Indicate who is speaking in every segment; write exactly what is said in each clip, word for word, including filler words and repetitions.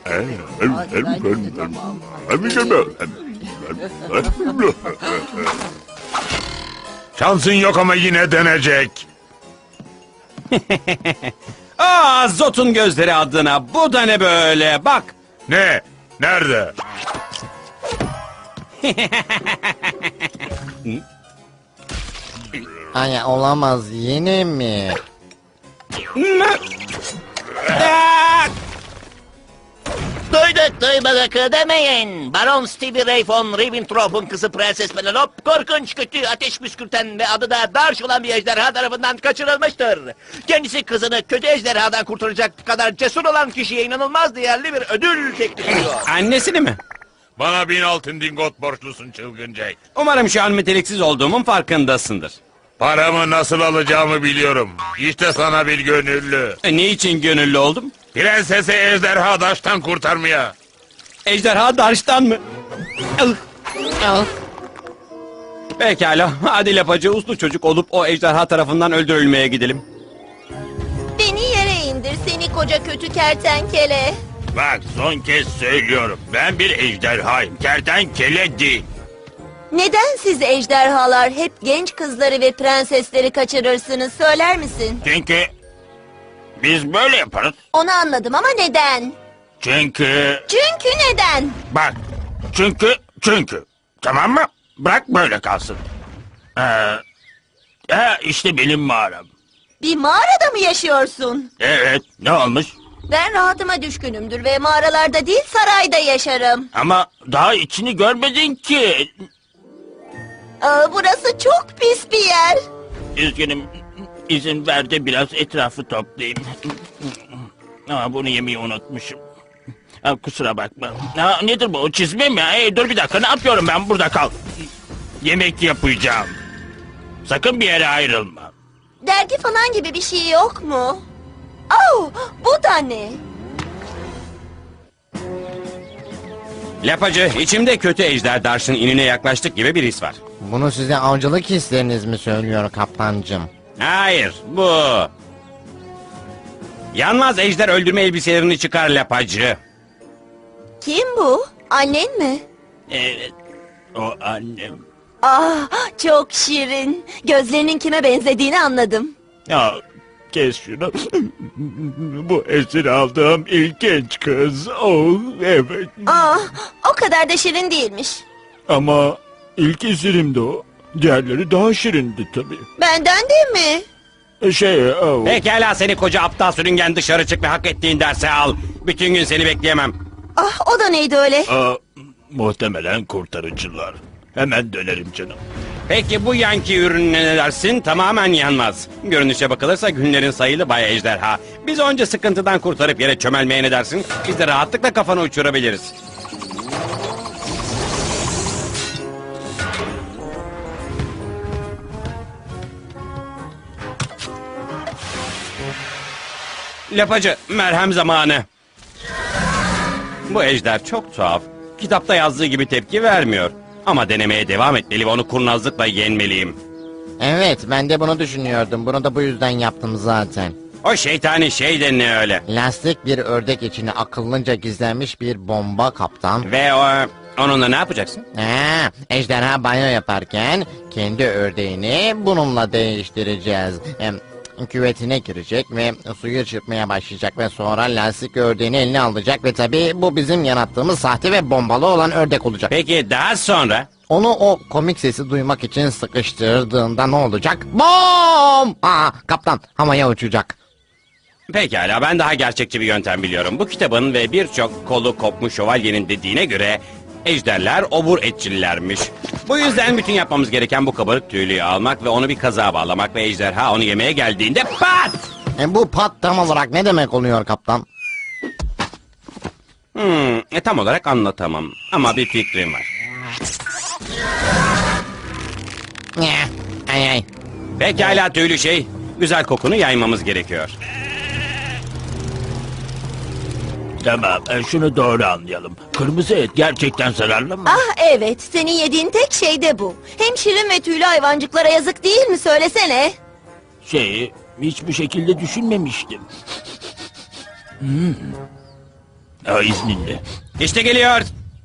Speaker 1: Şansın yok ama yine denecek.
Speaker 2: Aa, Zot'un gözleri adına. Bu da ne böyle? Bak.
Speaker 1: Ne? Nerede?
Speaker 3: Ay olamaz, yine mi?
Speaker 2: Aa!
Speaker 4: Duyduk duymadık demeyin. Baron Stevie Ray von Ribbentrop'un kızı Prenses Penelope korkunç, kötü, ateş püskürten ve adı da Darş olan bir ejderha tarafından kaçırılmıştır. Kendisi kızını kötü ejderhadan kurtaracak kadar cesur olan kişiye inanılmaz değerli bir ödül teklif ediyor.
Speaker 2: Annesini mi?
Speaker 1: Bana bin altın dingot borçlusun çılgın Jack.
Speaker 2: Umarım şu an meteliksiz olduğumun farkındasındır.
Speaker 1: Paramı nasıl alacağımı biliyorum. İşte sana bir gönüllü.
Speaker 2: E, ne için gönüllü oldum?
Speaker 1: Prensesi ejderha daştan kurtarmaya.
Speaker 2: Ejderha Darş'tan mı? Ih.
Speaker 3: Al.
Speaker 2: Pekala. Hadi lapacı uslu çocuk olup o ejderha tarafından öldürülmeye gidelim.
Speaker 5: Beni yere indir seni koca kötü kertenkele.
Speaker 1: Bak son kez söylüyorum. Ben bir ejderhayım. Kertenkele değil.
Speaker 5: Neden siz ejderhalar hep genç kızları ve prensesleri kaçırırsınız söyler misin?
Speaker 1: Çünkü biz böyle yaparız.
Speaker 5: Onu anladım ama neden?
Speaker 1: Çünkü
Speaker 5: Çünkü neden?
Speaker 1: bak. Çünkü çünkü. Tamam mı? Bırak böyle kalsın. Ee, e, işte benim mağaram.
Speaker 5: Bir mağarada mı yaşıyorsun?
Speaker 1: Evet. Ne olmuş?
Speaker 5: Ben rahatıma düşkünümdür ve mağaralarda değil sarayda yaşarım.
Speaker 1: Ama daha içini görmedin ki.
Speaker 5: Aa, burası çok pis bir yer.
Speaker 1: Üzgünüm. İzin ver de biraz etrafı toplayayım. Aa, bunu yemeyi unutmuşum. Aa, kusura bakma. Aa, nedir bu? Çizme mi? Hey, dur bir dakika. Ne yapıyorum ben? Burada kal. Yemek yapacağım. Sakın bir yere ayrılma.
Speaker 5: Dergi falan gibi bir şey yok mu? Oh, bu da ne?
Speaker 2: Lapacı, içimde kötü ejder Darş'ın inine yaklaştık gibi bir his var.
Speaker 3: Bunu size avcılık hisleriniz mi söylüyor kaptancım?
Speaker 2: Hayır, bu. Yanmaz ejder öldürme elbiselerini çıkar lapacı.
Speaker 5: Kim bu? Annen mi?
Speaker 1: Evet. O annem.
Speaker 5: Ah, çok şirin. Gözlerinin kime benzediğini anladım.
Speaker 1: Ya kes şunu. Bu esir aldığım ilk genç kız. Oh evet.
Speaker 5: Ah, o kadar da şirin değilmiş.
Speaker 1: Ama ilk esirimdi o. Diğerleri daha şirindi tabii.
Speaker 5: Benden de mi?
Speaker 1: Şey, oh.
Speaker 2: Pekala seni koca aptal sürüngen, dışarı çık ve hak ettiğin dersi al. Bütün gün seni bekleyemem.
Speaker 5: Ah, o da neydi öyle?
Speaker 1: Aa, muhtemelen kurtarıcılar. Hemen dönerim canım.
Speaker 2: Peki bu yanki ürününe ne dersin? Tamamen yanmaz. Görünüşe bakılırsa günlerin sayılı Bay Ejderha. Biz onca sıkıntıdan kurtarıp yere çömelmeye ne dersin? Biz de rahatlıkla kafanı uçurabiliriz. Lapacı, merhem zamanı. Bu ejder çok tuhaf. Kitapta yazdığı gibi tepki vermiyor. Ama denemeye devam etmeli ve onu kurnazlıkla yenmeliyim.
Speaker 3: Evet, ben de bunu düşünüyordum. Bunu da bu yüzden yaptım zaten.
Speaker 2: O şeytani şey de ne öyle?
Speaker 3: Lastik bir ördek içine akıllıca gizlenmiş bir bomba kaptan.
Speaker 2: Ve o, onunla ne yapacaksın?
Speaker 3: Ha, ejderha banyo yaparken kendi ördeğini bununla değiştireceğiz. Hem, küvetine girecek ve suyu çırpmaya başlayacak ve sonra lastik ördeğini eline alacak ve tabii bu bizim yarattığımız sahte ve bombalı olan ördek olacak.
Speaker 2: Peki daha sonra?
Speaker 3: Onu o komik sesi duymak için sıkıştırdığında ne olacak? Bom! Aa, kaptan havaya uçacak.
Speaker 2: Pekala, ben daha gerçekçi bir yöntem biliyorum. Bu kitabın ve birçok kolu kopmuş şövalyenin dediğine göre ejderler obur etçillermiş. Bu yüzden bütün yapmamız gereken bu kabarık tüylüyü almak ve onu bir kazığa bağlamak ve ejderha onu yemeye geldiğinde pat!
Speaker 3: E, bu pat tam olarak ne demek oluyor kaptan?
Speaker 2: Hmm, e, tam olarak anlatamam ama bir fikrim var.
Speaker 3: Eh, Ay ay.
Speaker 2: Pekala tüylü şey, güzel kokunu yaymamız gerekiyor.
Speaker 1: Tamam, e, şunu doğru anlayalım. Kırmızı et gerçekten zararlı mı?
Speaker 5: Ah evet, senin yediğin tek şey de bu. Hem şirin ve tüylü hayvancıklara yazık değil mi söylesene?
Speaker 1: Şey, hiç bu şekilde düşünmemiştim. Hmm. Aa, izninle.
Speaker 2: İşte geliyor.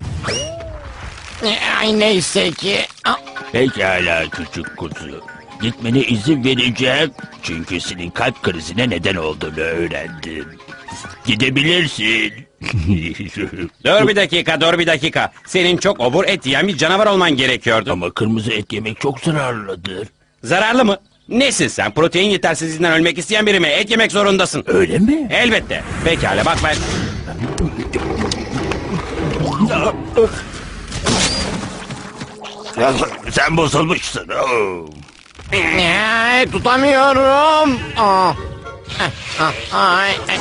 Speaker 3: Ay neyse ki. Ah,
Speaker 1: Pekala küçük kuzu. Gitmene izin vereceğim. Çünkü senin kalp krizine neden olduğunu öğrendim. Gidebilirsin.
Speaker 2: Dur bir dakika, dur bir dakika. Senin çok obur et yiyen bir canavar olman gerekiyordu.
Speaker 1: Ama kırmızı et yemek çok zararlıdır.
Speaker 2: Zararlı mı? Nesin sen? Protein yetersizliğinden ölmek isteyen biri mi? Et yemek zorundasın.
Speaker 1: Öyle mi?
Speaker 2: Elbette. Pekala bak ben...
Speaker 1: Sen bozulmuşsun. Oo.
Speaker 3: ay, tutamıyorum. Ah, ah, ah, ay, ay.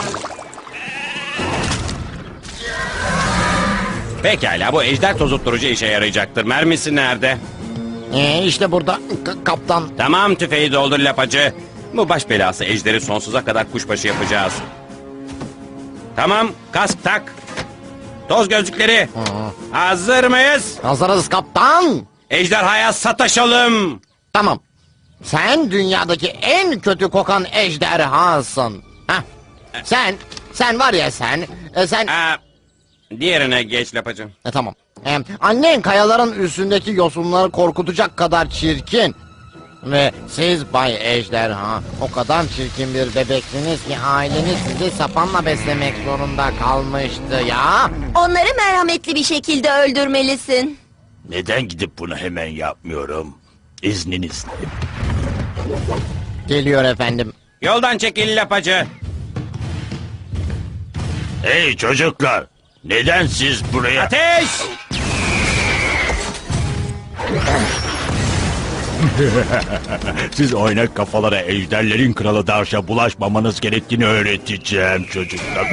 Speaker 2: Pekala bu ejder tozutturucu işe yarayacaktır. Mermisi nerede?
Speaker 3: Ee, işte burada K- kaptan.
Speaker 2: Tamam tüfeği doldur lapacı. Bu baş belası ejderi sonsuza kadar kuşbaşı yapacağız. Tamam kask tak. Toz gözlükleri. Hazır mıyız?
Speaker 3: Hazırız kaptan.
Speaker 2: Ejderhaya sataşalım.
Speaker 3: Tamam. Sen dünyadaki en kötü kokan ejderhasın. Heh. Sen, sen var ya sen, e, sen...
Speaker 2: Aa, diğerine geç lapacı.
Speaker 3: E, tamam. E, annen kayaların üstündeki yosunları korkutacak kadar çirkin. Ve siz Bay Ejderha o kadar çirkin bir bebeksiniz ki aileniz sizi sapanla beslemek zorunda kalmıştı ya.
Speaker 5: Onları merhametli bir şekilde öldürmelisin.
Speaker 1: Neden gidip bunu hemen yapmıyorum? İzninizle.
Speaker 3: Geliyor efendim.
Speaker 2: Yoldan çekil lapacı.
Speaker 1: Hey çocuklar. Neden siz buraya...
Speaker 2: Ateş!
Speaker 1: Siz oynak kafalara ejderlerin kralı Darş'a bulaşmamanız gerektiğini öğreteceğim çocuklar.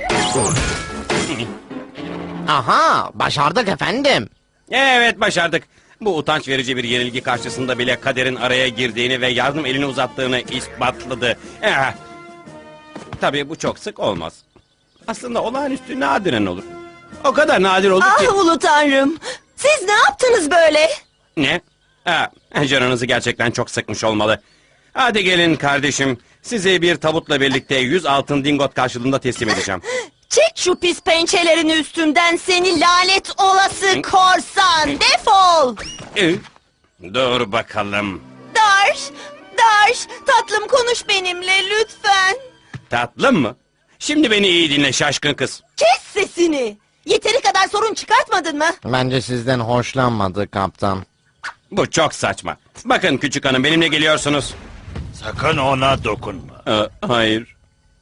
Speaker 3: Aha, başardık efendim.
Speaker 2: Evet başardık. Bu utanç verici bir yenilgi karşısında bile kaderin araya girdiğini ve yardım elini uzattığını ispatladı. Eh. Tabii bu çok sık olmaz. Aslında olağanüstü nadiren olur. O kadar nadir olur ki...
Speaker 5: Ah ulu tanrım. Siz ne yaptınız böyle?
Speaker 2: Ne? Ha, canınızı gerçekten çok sıkmış olmalı. Hadi gelin kardeşim. Sizi bir tabutla birlikte yüz altın dingot karşılığında teslim edeceğim.
Speaker 5: Çek şu pis pençelerini üstümden seni lanet olası korsan. Defol.
Speaker 2: Ee, Dur bakalım.
Speaker 5: Darş, Darş, tatlım konuş benimle lütfen.
Speaker 2: Tatlım mı? Şimdi beni iyi dinle şaşkın kız.
Speaker 5: Kes sesini. Yeteri kadar sorun çıkartmadın mı?
Speaker 3: Bence sizden hoşlanmadı kaptan.
Speaker 2: Bu çok saçma. Bakın küçük hanım benimle geliyorsunuz.
Speaker 1: Sakın ona dokunma.
Speaker 2: Aa, hayır.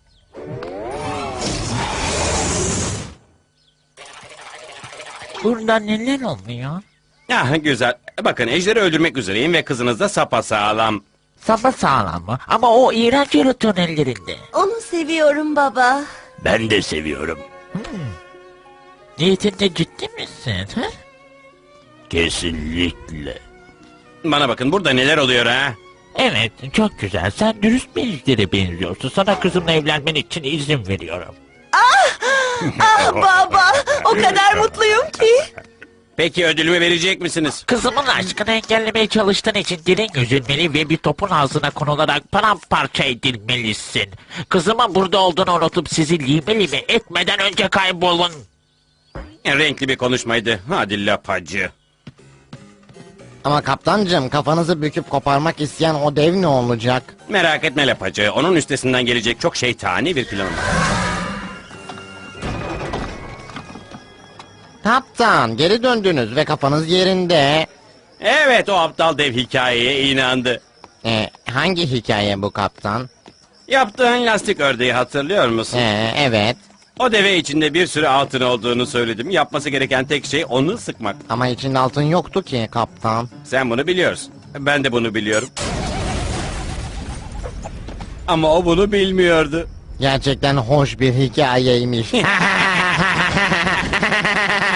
Speaker 6: Burada neler oluyor?
Speaker 2: Ah güzel. Bakın ejderi öldürmek üzereyim ve kızınız da sapasağlam.
Speaker 6: Sapa sağlam mı? Ama o iğrenç yaratığın ellerinde.
Speaker 5: Onu seviyorum baba.
Speaker 1: Ben de seviyorum.
Speaker 6: Niyetinde ciddi misin? Ha?
Speaker 1: Kesinlikle.
Speaker 2: Bana bakın burada neler oluyor ha?
Speaker 6: Evet, çok güzel. Sen dürüst bir ejdere benziyorsun. Sana kızımla evlenmen için izin veriyorum.
Speaker 5: Ah baba, o kadar mutluyum ki.
Speaker 2: Peki ödülümü verecek misiniz?
Speaker 6: Kızımın aşkını engellemeye çalıştığın için dilin üzülmeli ve bir topun ağzına konularak paramparça edilmelisin. Kızımın burada olduğunu unutup sizi lime lime etmeden önce kaybolun.
Speaker 2: Renkli bir konuşmaydı. Hadi lapacı.
Speaker 3: Ama kaptancım kafanızı büküp koparmak isteyen o dev ne olacak?
Speaker 2: Merak etme lapacı. Onun üstesinden gelecek çok şeytani bir planım var.
Speaker 3: Kaptan geri döndünüz ve kafanız yerinde.
Speaker 2: Evet o aptal dev hikayeye inandı.
Speaker 3: Ee, hangi hikaye bu kaptan?
Speaker 2: Yaptığın lastik ördeği hatırlıyor musun?
Speaker 3: Ee, evet
Speaker 2: O deve içinde bir sürü altın olduğunu söyledim. Yapması gereken tek şey onu sıkmak.
Speaker 3: ama içinde altın yoktu ki kaptan.
Speaker 2: Sen bunu biliyorsun. Ben de bunu biliyorum. Ama o bunu bilmiyordu.
Speaker 3: Gerçekten hoş bir hikayeymiş.